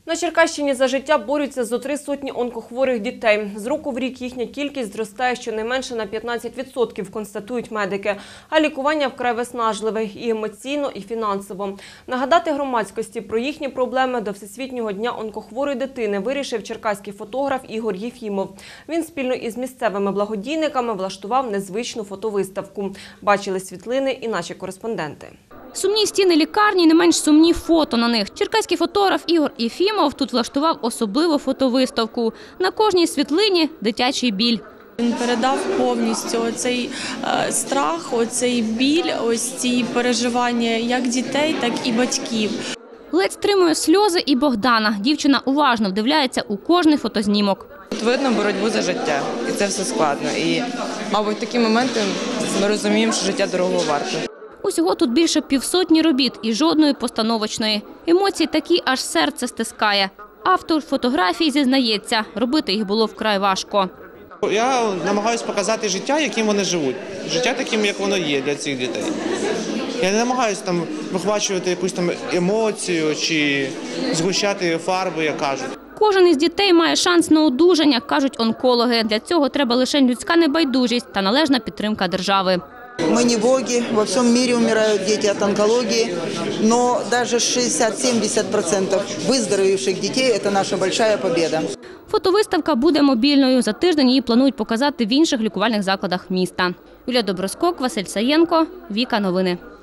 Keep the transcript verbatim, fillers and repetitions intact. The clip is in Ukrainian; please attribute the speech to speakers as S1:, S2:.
S1: На Черкащині за життя борються зо три сотні онкохворих дітей. З року в рік їхня кількість зростає щонайменше на п'ятнадцять відсотків, констатують медики. А лікування вкрай виснажливе і емоційно, і фінансово. Нагадати громадськості про їхні проблеми до Всесвітнього дня онкохворої дитини вирішив черкаський фотограф Ігор Єфімов. Він спільно із місцевими благодійниками влаштував незвичну фотовиставку. Бачили світлини і наші кореспонденти.
S2: Сумні стіни лікарні, не менш сумні фото на них. Черкаський фотограф Ігор Єфімов тут влаштував особливу фотовиставку. На кожній світлині – дитячий біль.
S3: Він передав повністю оцей е, страх, оцей біль, ось ці переживання як дітей, так і батьків.
S2: Ледь стримує сльози і Богдана. Дівчина уважно вдивляється у кожний фотознімок.
S4: Тут видно боротьбу за життя, і це все складно. І, мабуть, в такі моменти ми розуміємо, що життя дорого варте.
S2: Усього тут більше півсотні робіт і жодної постановочної. Емоції такі, аж серце стискає. Автор фотографій зізнається, робити їх було вкрай важко.
S5: Я намагаюся показати життя, яким вони живуть. Життя таким, як воно є для цих дітей. Я не намагаюся там вихвачувати якусь там емоцію чи згущати фарби, як кажуть.
S2: Кожен із дітей має шанс на одужання, кажуть онкологи. Для цього треба лише людська небайдужість та належна підтримка держави.
S6: Мы не боги, во всем мире умирают дети от онкологии, но даже шестьдесят-семьдесят процентов выздоровевших детей – это наша большая победа.
S2: Фотовиставка буде мобільною. За тиждень її планують показати в інших лікувальних закладах міста. Юлія Доброскок, Василь Саєнко, Віка Новини.